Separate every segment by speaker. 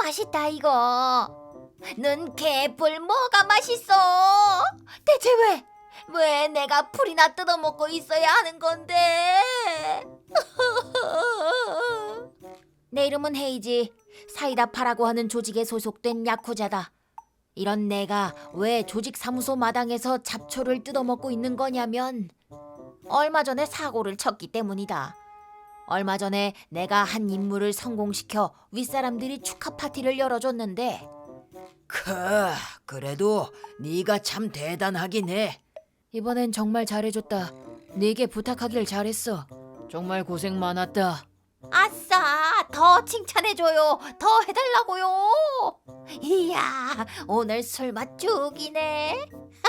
Speaker 1: 맛있다 이거. 넌 개뿔 뭐가 맛있어? 대체 왜 내가 풀이나 뜯어먹고 있어야 하는 건데? 내 이름은 헤이지. 사이다파라고 하는 조직에 소속된 야쿠자다. 이런 내가 왜 조직 사무소 마당에서 잡초를 뜯어먹고 있는 거냐면 얼마 전에 사고를 쳤기 때문이다. 얼마 전에 내가 한 임무를 성공시켜 윗사람들이 축하 파티를 열어줬는데
Speaker 2: 그래도 네가 참 대단하긴 해.
Speaker 3: 이번엔 정말 잘해줬다. 네게 부탁하길 잘했어. 정말 고생 많았다.
Speaker 1: 아싸, 더 칭찬해줘요. 더 해달라고요. 이야, 오늘 술맛 죽이네.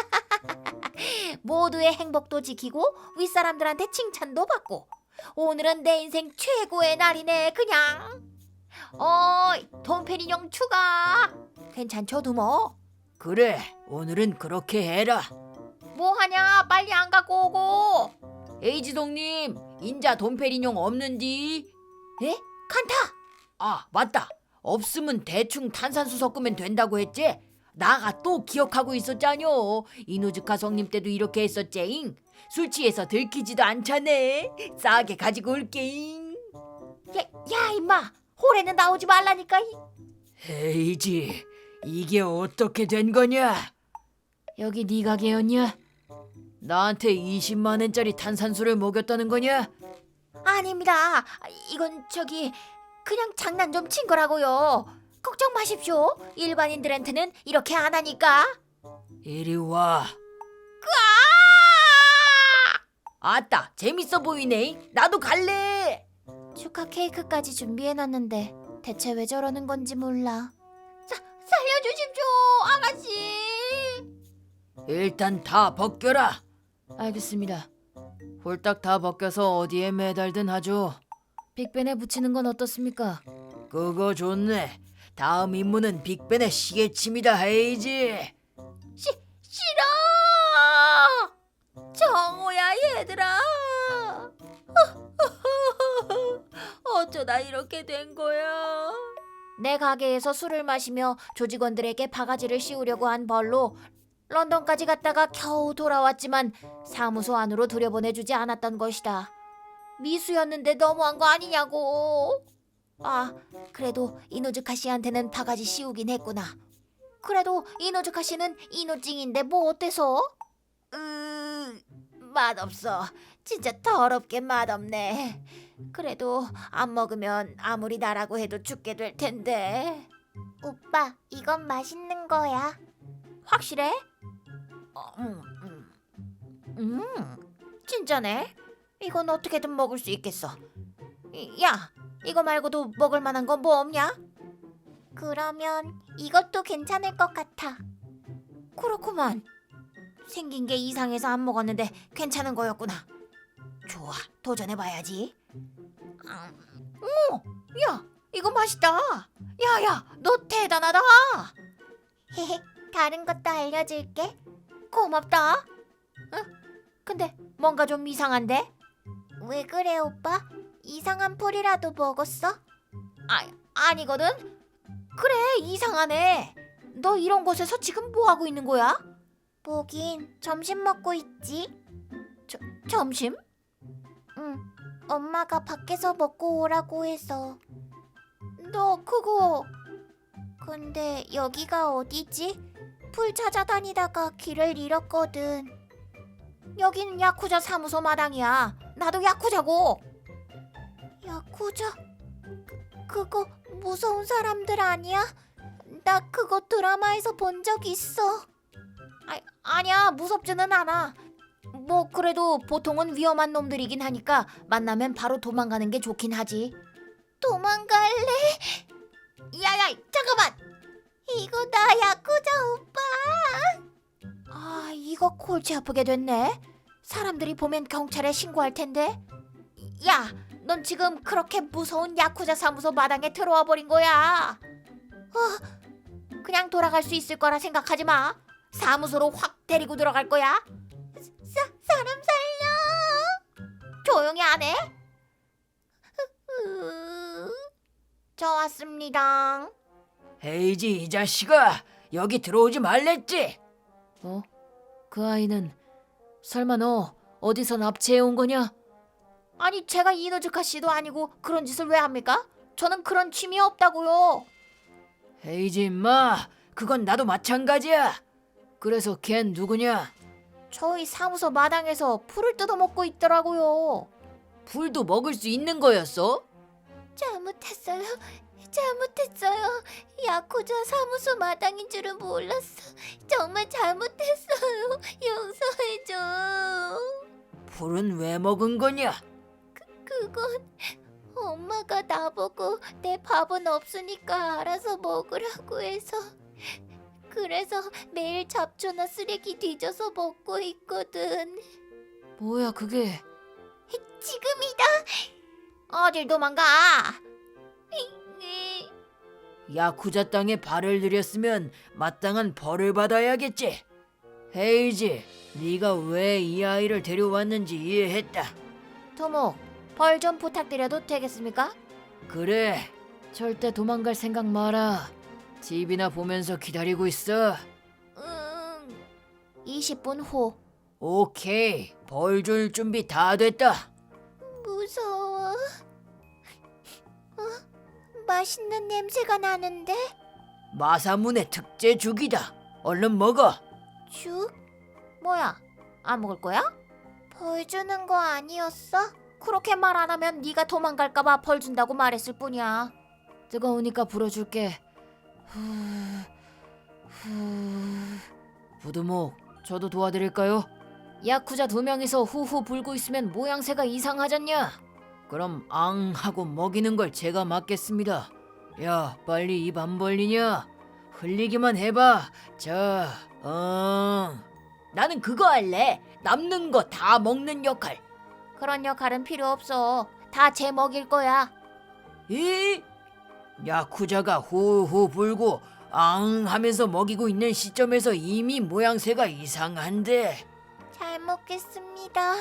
Speaker 1: 모두의 행복도 지키고 윗사람들한테 칭찬도 받고 오늘은 내 인생 최고의 날이네 그냥. 어이, 돈페리뇽 추가. 괜찮죠 두모?
Speaker 2: 그래, 오늘은 그렇게 해라.
Speaker 1: 뭐하냐, 빨리 안 갖고 오고.
Speaker 2: 에이지동님, 인자 돈페리뇽 없는디?
Speaker 1: 에? 칸타.
Speaker 2: 아, 맞다. 없으면 대충 탄산수 섞으면 된다고 했지? 나가 또 기억하고 있었잖요. 이노즈카 성님 때도 이렇게 했었제잉. 술 취해서 들키지도 않자네. 싸게 가지고 올게잉.
Speaker 1: 야 임마, 홀에는 나오지 말라니까.
Speaker 2: 에이지, 이게 어떻게 된 거냐?
Speaker 3: 여기 네 가게였냐?
Speaker 2: 나한테 20만 원짜리 탄산수를 먹였다는 거냐?
Speaker 1: 아닙니다. 이건 그냥 장난 좀 친 거라고요. 걱정 마십시오. 일반인들한테는 이렇게 안 하니까.
Speaker 2: 이리 와. 아따, 재밌어 보이네. 나도 갈래.
Speaker 1: 축하 케이크까지 준비해놨는데 대체 왜 저러는 건지 몰라. 살려주십시오, 아가씨.
Speaker 2: 일단 다 벗겨라.
Speaker 3: 알겠습니다. 홀딱 다 벗겨서 어디에 매달든 하죠. 빅벤에 붙이는 건 어떻습니까?
Speaker 2: 그거 좋네. 다음 임무는 빅벤의 시계침이다, 헤이지.
Speaker 1: 싫어. 정우야 얘들아. 어쩌다 이렇게 된 거야. 내 가게에서 술을 마시며 조직원들에게 바가지를 씌우려고 한 벌로 런던까지 갔다가 겨우 돌아왔지만 사무소 안으로 들여보내주지 않았던 것이다. 미수였는데 너무한 거 아니냐고. 아, 그래도 이노즈카 씨한테는 바가지 씌우긴 했구나. 그래도 이노즈카 씨는 이노찡인데 뭐 어때서? 맛없어. 진짜 더럽게 맛없네. 그래도 안 먹으면 아무리 나라고 해도 죽게 될 텐데. 오빠, 이건 맛있는 거야. 확실해? 진짜네. 이건 어떻게든 먹을 수 있겠어. 야, 이거 말고도 먹을 만한 건 뭐 없냐? 그러면 이것도 괜찮을 것 같아. 그렇구만. 생긴 게 이상해서 안 먹었는데 괜찮은 거였구나. 좋아, 도전해봐야지. 오, 야, 이거 맛있다. 야야, 너 대단하다. 헤헤, 다른 것도 알려줄게. 고맙다. 응? 근데 뭔가 좀 이상한데? 왜 그래 오빠? 이상한 풀이라도 먹었어? 아니거든. 그래, 이상하네. 너 이런 곳에서 지금 뭐 하고 있는 거야? 보긴 점심 먹고 있지. 점심? 응, 엄마가 밖에서 먹고 오라고 해서. 너 그거... 근데 여기가 어디지? 풀 찾아다니다가 길을 잃었거든. 여기는 야쿠자 사무소 마당이야. 나도 야쿠자고. 야쿠자? 그거 무서운 사람들 아니야? 나 그거 드라마에서 본 적 있어. 아니야, 무섭지는 않아. 뭐 그래도 보통은 위험한 놈들이긴 하니까 만나면 바로 도망가는 게 좋긴 하지. 도망갈래? 야야, 잠깐만. 이거 나 야쿠자 오빠. 이거 골치 아프게 됐네. 사람들이 보면 경찰에 신고할 텐데. 야, 넌 지금 그렇게 무서운 야쿠자 사무소 마당에 들어와 버린 거야. 그냥 돌아갈 수 있을 거라 생각하지 마. 사무소로 확 데리고 들어갈 거야. 사람 살려. 조용히 안 해? 저 왔습니다.
Speaker 2: 헤이지 이 자식아, 여기 들어오지 말랬지?
Speaker 3: 어? 그 아이는 설마 너 어디서 납치해 온 거냐?
Speaker 1: 아니 제가 이노즈카 씨도 아니고 그런 짓을 왜 합니까? 저는 그런 취미 없다고요.
Speaker 2: 헤이지 임마, 그건 나도 마찬가지야. 그래서 걘 누구냐?
Speaker 1: 저희 사무소 마당에서 풀을 뜯어먹고 있더라고요.
Speaker 2: 풀도 먹을 수 있는 거였어?
Speaker 1: 잘못했어요. 잘못했어요. 야쿠자 사무소 마당인 줄은 몰랐어. 정말 잘못했어요. 용서해줘.
Speaker 2: 풀은 왜 먹은 거냐?
Speaker 1: 그건 엄마가 나보고 내 밥은 없으니까 알아서 먹으라고 해서 그래서 매일 잡초나 쓰레기 뒤져서 먹고 있거든.
Speaker 3: 뭐야 그게?
Speaker 1: 지금이다. 어딜 도망가?
Speaker 2: 야쿠자 땅에 발을 들였으면 마땅한 벌을 받아야겠지. 헤이지, 네가 왜 이 아이를 데려왔는지 이해했다.
Speaker 1: 토목, 벌 좀 부탁드려도 되겠습니까?
Speaker 2: 그래,
Speaker 3: 절대 도망갈 생각 마라.
Speaker 2: TV나 보면서 기다리고 있어.
Speaker 1: 20분 후.
Speaker 2: 오케이, 벌 줄 준비 다 됐다.
Speaker 1: 무서워. 맛있는 냄새가 나는데?
Speaker 2: 마사문의 특제 죽이다. 얼른 먹어.
Speaker 1: 죽? 뭐야? 안 먹을 거야? 벌 주는 거 아니었어? 그렇게 말 안 하면 네가 도망갈까 봐 벌 준다고 말했을 뿐이야.
Speaker 3: 뜨거우니까 불어줄게. 부두목, 저도 도와드릴까요? 야쿠자 2명이서 후후 불고 있으면 모양새가 이상하잖냐?
Speaker 2: 그럼 앙 하고 먹이는 걸 제가 맡겠습니다. 야, 빨리 입 안 벌리냐? 흘리기만 해봐. 자, 나는 그거 할래. 남는 거 다 먹는 역할.
Speaker 1: 그런 역할은 필요 없어. 다 제 먹일 거야.
Speaker 2: 이? 야쿠자가 후후 불고 앙 하면서 먹이고 있는 시점에서 이미 모양새가 이상한데.
Speaker 1: 잘 먹겠습니다.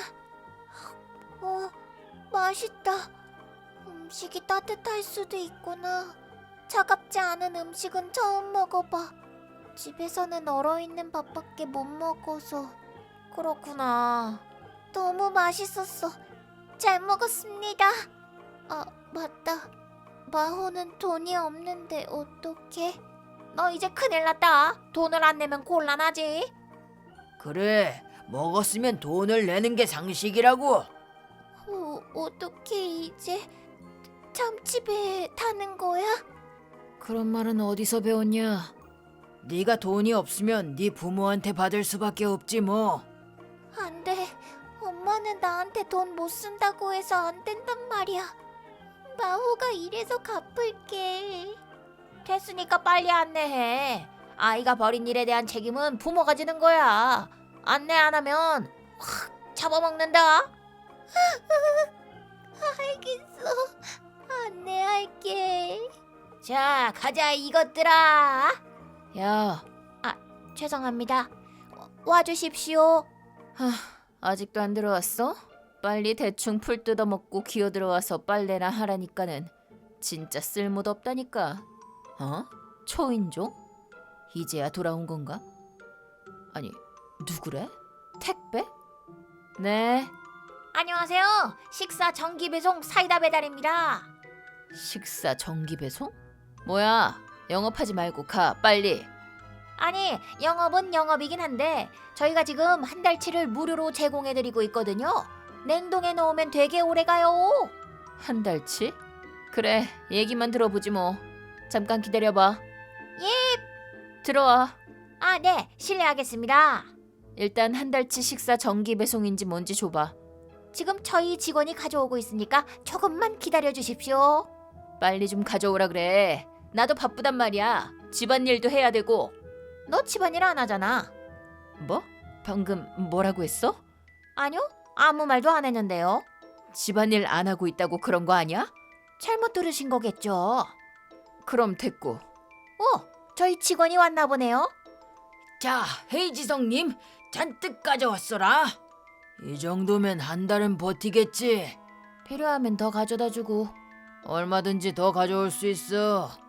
Speaker 1: 맛있다. 음식이 따뜻할 수도 있구나. 차갑지 않은 음식은 처음 먹어봐. 집에서는 얼어있는 밥밖에 못 먹어서. 그렇구나. 너무 맛있었어. 잘 먹었습니다. 아, 맞다. 마호는 돈이 없는데 어떡해? 너 이제 큰일 났다. 돈을 안 내면 곤란하지.
Speaker 2: 그래, 먹었으면 돈을 내는 게 상식이라고.
Speaker 1: 어떻게 이제 참치배 타는 거야?
Speaker 3: 그런 말은 어디서 배웠냐?
Speaker 2: 네가 돈이 없으면 네 부모한테 받을 수밖에 없지 뭐.
Speaker 1: 안 돼. 엄마는 나한테 돈 못 쓴다고 해서 안 된단 말이야. 마호가 이래서 갚을게. 됐으니까 빨리 안내해. 아이가 벌인 일에 대한 책임은 부모가 지는 거야. 안내 안 하면 확 잡아먹는다. 알겠어. 안내할게. 자, 가자 이것들아.
Speaker 3: 야,
Speaker 1: 죄송합니다. 와주십시오.
Speaker 3: 아직도 안 들어왔어? 빨리 대충 풀 뜯어먹고 기어 들어와서 빨래나 하라니까는 진짜 쓸모도 없다니까. 어? 초인종? 이제야 돌아온 건가? 아니, 누구래? 택배? 네,
Speaker 1: 안녕하세요. 식사 정기 배송 사이다 배달입니다.
Speaker 3: 식사 정기 배송? 뭐야, 영업하지 말고 가, 빨리.
Speaker 1: 아니, 영업은 영업이긴 한데 저희가 지금 한 달치를 무료로 제공해드리고 있거든요. 냉동에 넣으면 되게 오래가요.
Speaker 3: 한 달치? 그래, 얘기만 들어보지 뭐. 잠깐 기다려봐.
Speaker 1: 예.
Speaker 3: 들어와.
Speaker 1: 네. 실례하겠습니다.
Speaker 3: 일단 한 달치 식사 정기 배송인지 뭔지 줘봐.
Speaker 1: 지금 저희 직원이 가져오고 있으니까 조금만 기다려주십시오.
Speaker 3: 빨리 좀 가져오라 그래. 나도 바쁘단 말이야. 집안일도 해야 되고.
Speaker 1: 너 집안일 안 하잖아.
Speaker 3: 뭐? 방금 뭐라고 했어?
Speaker 1: 아니요. 아무 말도 안 했는데요.
Speaker 3: 집안일 안 하고 있다고 그런 거 아니야?
Speaker 1: 잘못 들으신 거겠죠.
Speaker 3: 그럼 됐고.
Speaker 1: 저희 직원이 왔나 보네요.
Speaker 2: 자, 헤이지성님, 잔뜩 가져왔어라. 이 정도면 한 달은 버티겠지.
Speaker 3: 필요하면 더 가져다 주고.
Speaker 2: 얼마든지 더 가져올 수 있어.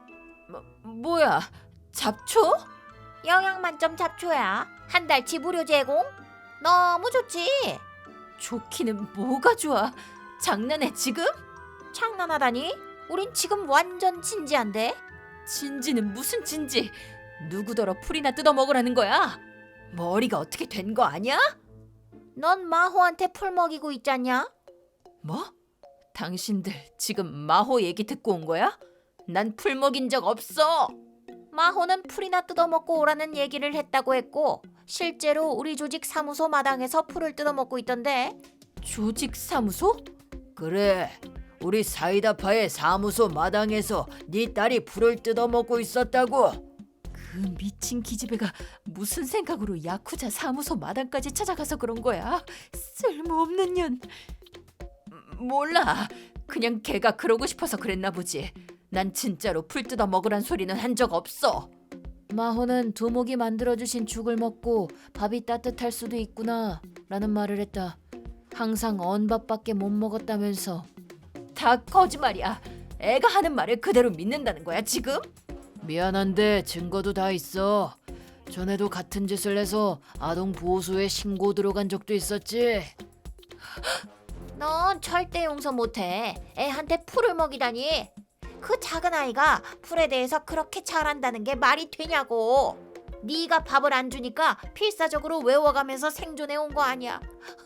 Speaker 3: 뭐야? 잡초?
Speaker 1: 영양 만점 잡초야. 한 달치 무료 제공. 너무 좋지.
Speaker 3: 좋기는 뭐가 좋아? 장난해 지금?
Speaker 1: 장난하다니? 우린 지금 완전 진지한데.
Speaker 3: 진지는 무슨 진지? 누구더러 풀이나 뜯어 먹으라는 거야? 머리가 어떻게 된 거 아니야?
Speaker 1: 넌 마호한테 풀 먹이고 있잖냐?
Speaker 3: 뭐? 당신들 지금 마호 얘기 듣고 온 거야? 난 풀 먹인 적 없어.
Speaker 1: 마호는 풀이나 뜯어먹고 오라는 얘기를 했다고 했고 실제로 우리 조직 사무소 마당에서 풀을 뜯어먹고 있던데.
Speaker 3: 조직 사무소?
Speaker 2: 그래, 우리 사이다파의 사무소 마당에서 네 딸이 풀을 뜯어먹고 있었다고.
Speaker 3: 그 미친 기집애가 무슨 생각으로 야쿠자 사무소 마당까지 찾아가서 그런 거야? 쓸모없는 년. 몰라. 그냥 걔가 그러고 싶어서 그랬나 보지. 난 진짜로 풀 뜯어 먹으란 소리는 한 적 없어. 마호는 두목이 만들어주신 죽을 먹고 밥이 따뜻할 수도 있구나 라는 말을 했다. 항상 언밥밖에 못 먹었다면서. 다 거짓말이야. 애가 하는 말을 그대로 믿는다는 거야 지금? 미안한데 증거도 다 있어. 전에도 같은 짓을 해서 아동 보호소에 신고 들어간 적도 있었지.
Speaker 1: 넌 절대 용서 못해. 애한테 풀을 먹이다니. 그 작은 아이가 풀에 대해서 그렇게 잘 안다는 게 말이 되냐고. 네가 밥을 안 주니까 필사적으로 외워가면서 생존해 온 거 아니야.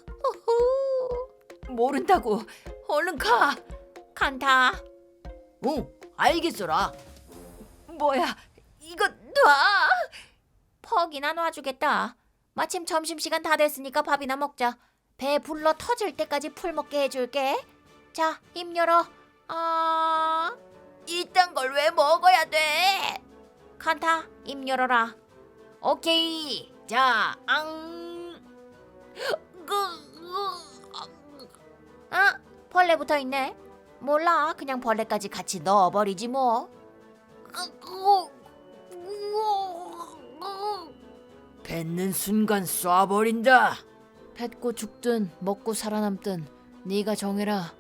Speaker 3: 모른다고. 얼른 가.
Speaker 1: 칸타.
Speaker 2: 응, 알겠어라.
Speaker 3: 뭐야? 이거 놔.
Speaker 1: 퍽이나 놔주겠다. 마침 점심시간 다 됐으니까 밥이나 먹자. 배 불러 터질 때까지 풀 먹게 해줄게. 자, 입 열어.
Speaker 2: 이딴 걸 왜 먹어야 돼?
Speaker 1: 칸타, 입 열어라.
Speaker 2: 오케이. 자,
Speaker 1: 아, 벌레 붙어 있네. 몰라, 그냥 벌레까지 같이 넣어버리지 뭐.
Speaker 2: 뱉는 순간 쏴버린다.
Speaker 3: 뱉고 죽든 먹고 살아남든 네가 정해라.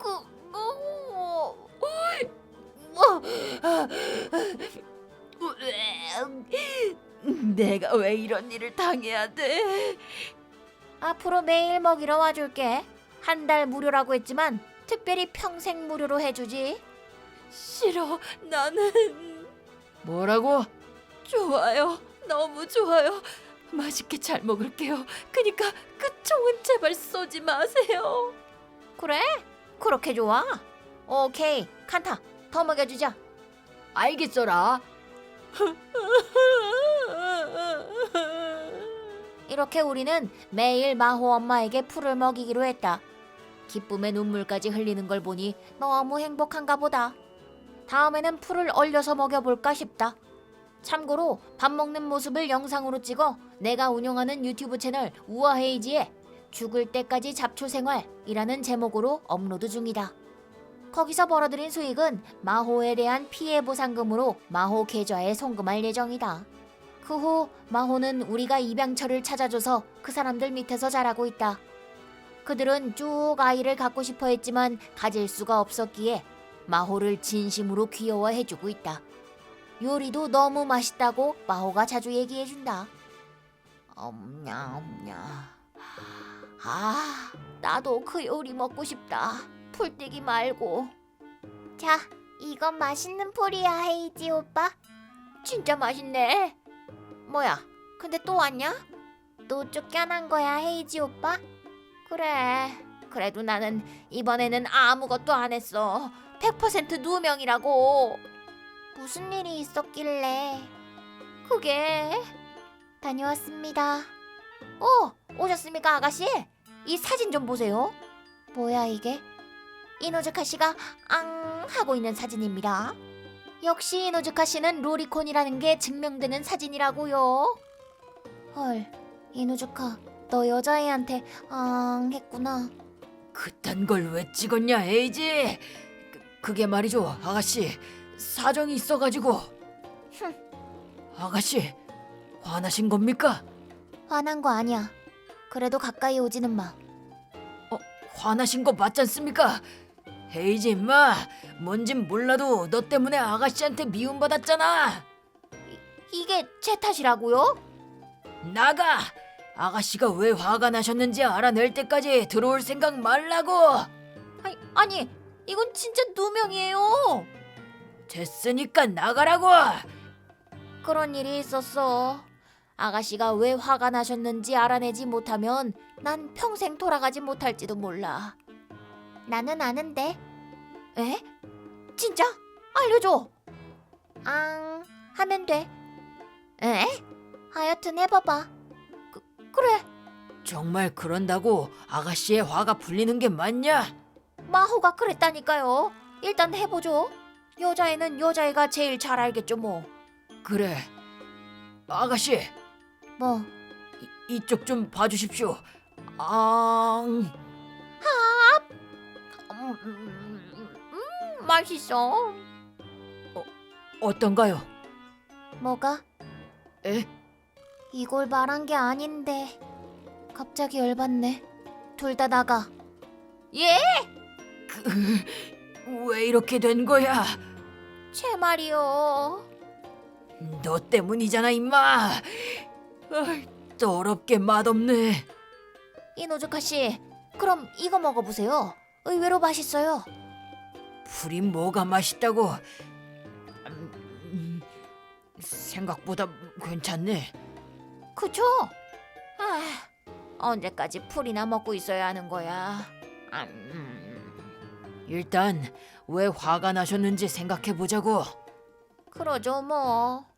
Speaker 3: 내가 왜 이런 일을 당해야 돼?
Speaker 1: 앞으로 매일 먹이러 와줄게. 한 달 무료라고 했지만 특별히 평생 무료로 해주지.
Speaker 3: 싫어. 나는 뭐라고? 좋아요. 너무 좋아요. 맛있게 잘 먹을게요. 그니까 그 총은 제발 쏘지 마세요.
Speaker 1: 그래? 그렇게 좋아? 오케이, 칸타, 더 먹여주자.
Speaker 2: 알겠어라.
Speaker 1: 이렇게 우리는 매일 마호 엄마에게 풀을 먹이기로 했다. 기쁨의 눈물까지 흘리는 걸 보니 너무 행복한가 보다. 다음에는 풀을 얼려서 먹여볼까 싶다. 참고로 밥 먹는 모습을 영상으로 찍어 내가 운영하는 유튜브 채널 우아헤이지에 죽을 때까지 잡초 생활이라는 제목으로 업로드 중이다. 거기서 벌어들인 수익은 마호에 대한 피해 보상금으로 마호 계좌에 송금할 예정이다. 그 후 마호는 우리가 입양처를 찾아줘서 그 사람들 밑에서 자라고 있다. 그들은 쭉 아이를 갖고 싶어 했지만 가질 수가 없었기에 마호를 진심으로 귀여워해주고 있다. 요리도 너무 맛있다고 마호가 자주 얘기해준다. 엄냐. 아, 나도 그 요리 먹고 싶다. 풀떼기 말고. 자, 이건 맛있는 풀이야, 헤이지 오빠. 진짜 맛있네. 뭐야, 근데 또 왔냐? 또 쫓겨난 거야, 헤이지 오빠? 그래, 그래도 나는 이번에는 아무것도 안 했어. 100% 누명이라고. 무슨 일이 있었길래? 그게 다녀왔습니다. 오셨습니까, 아가씨? 이 사진 좀 보세요. 뭐야 이게? 이노즈카 씨가 앙 하고 있는 사진입니다. 역시 이노즈카 씨는 로리콘이라는 게 증명되는 사진이라고요. 헐, 이노즈카, 너 여자애한테 앙 했구나.
Speaker 2: 그딴 걸 왜 찍었냐, 헤이지? 그게 말이죠, 아가씨. 사정이 있어가지고. 아가씨, 화나신 겁니까?
Speaker 1: 화난 거 아니야. 그래도 가까이 오지는 마.
Speaker 2: 화나신 거 맞지 않습니까? 헤이지 임마, 뭔진 몰라도 너 때문에 아가씨한테 미움받았잖아.
Speaker 1: 이게 제 탓이라고요?
Speaker 2: 나가! 아가씨가 왜 화가 나셨는지 알아낼 때까지 들어올 생각 말라고!
Speaker 1: 아니 이건 진짜 누명이에요.
Speaker 2: 됐으니까 나가라고!
Speaker 1: 그런 일이 있었어. 아가씨가 왜 화가 나셨는지 알아내지 못하면 난 평생 돌아가지 못할지도 몰라. 나는 아는데. 에? 진짜? 알려줘. 하면 돼. 에? 하여튼 해봐봐. 그래.
Speaker 2: 정말 그런다고 아가씨의 화가 풀리는 게 맞냐?
Speaker 1: 마호가 그랬다니까요. 일단 해보죠. 여자애는 여자애가 제일 잘 알겠죠 뭐.
Speaker 2: 그래. 아가씨,
Speaker 1: 뭐.
Speaker 2: 이쪽 좀 봐주십시오. 앙.
Speaker 1: 맛있어.
Speaker 2: 어떤가요?
Speaker 1: 뭐가?
Speaker 2: 에?
Speaker 1: 이걸 말한 게 아닌데. 갑자기 열받네. 둘 다 나가. 예?
Speaker 2: 왜 이렇게 된 거야?
Speaker 1: 제 말이요.
Speaker 2: 너 때문이잖아 임마. 더럽게 맛없네.
Speaker 1: 이노즈카 씨, 그럼 이거 먹어보세요. 의외로 맛있어요.
Speaker 2: 풀이 뭐가 맛있다고? 생각보다 괜찮네.
Speaker 1: 그쵸? 언제까지 풀이나 먹고 있어야 하는 거야?
Speaker 2: 일단 왜 화가 나셨는지 생각해 보자고.
Speaker 1: 그러죠 뭐.